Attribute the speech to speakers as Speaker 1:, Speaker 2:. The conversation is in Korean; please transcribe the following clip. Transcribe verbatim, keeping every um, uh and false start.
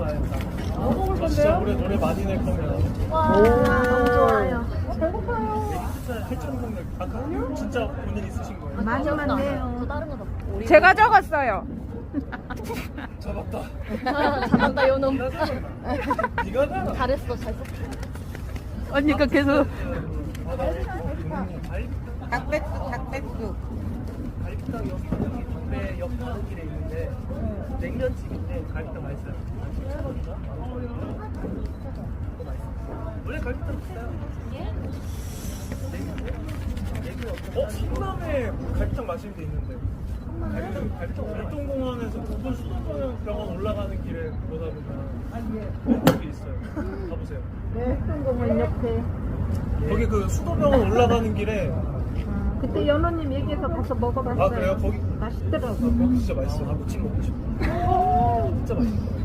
Speaker 1: 가야겠다.
Speaker 2: 뭐 먹을
Speaker 1: 저 진짜
Speaker 2: 건데요?
Speaker 1: 올해 노래 많이 낼 겁니다.
Speaker 3: 와, 너무 좋아요.
Speaker 2: 배고파요.
Speaker 1: 팔천 공백. 아까 진짜 본인 있으신 거예요?
Speaker 3: 많이만 내요.
Speaker 4: 저 다른 거 더.
Speaker 2: 제가 적었어요.
Speaker 1: 잡았다.
Speaker 4: 잘한다 요놈.
Speaker 1: 네가 하잖아.
Speaker 4: 잘했어 잘 썼어.
Speaker 2: 언니가 계속
Speaker 5: 닭백숙, 닭백숙.
Speaker 1: 갈비탕 여기 여기 담배 옆 가는 길에 있는데 냉면집인데 갈비탕 맛있어요. 칠천 원인가? 그거 맛있어요. 원래 갈비탕 비싸요. 어? 성남에 갈비탕 맛있는 데 있는데 갈비탕, 갈비탕 월동공원에서 부분 수도병원 올라가는 길에 보다 보면 거기 있어요. 가보세요.
Speaker 3: 네, 행동공원 옆에.
Speaker 1: 거기 그 수도병원 올라가는 길에
Speaker 3: 그때 연호님 얘기해서 가서 먹어봤어요.
Speaker 1: 아 그래요? 거기
Speaker 3: 맛있더라고.
Speaker 1: 거기 진짜 맛있어. 나 무침 먹고 싶어. 진짜 맛있어.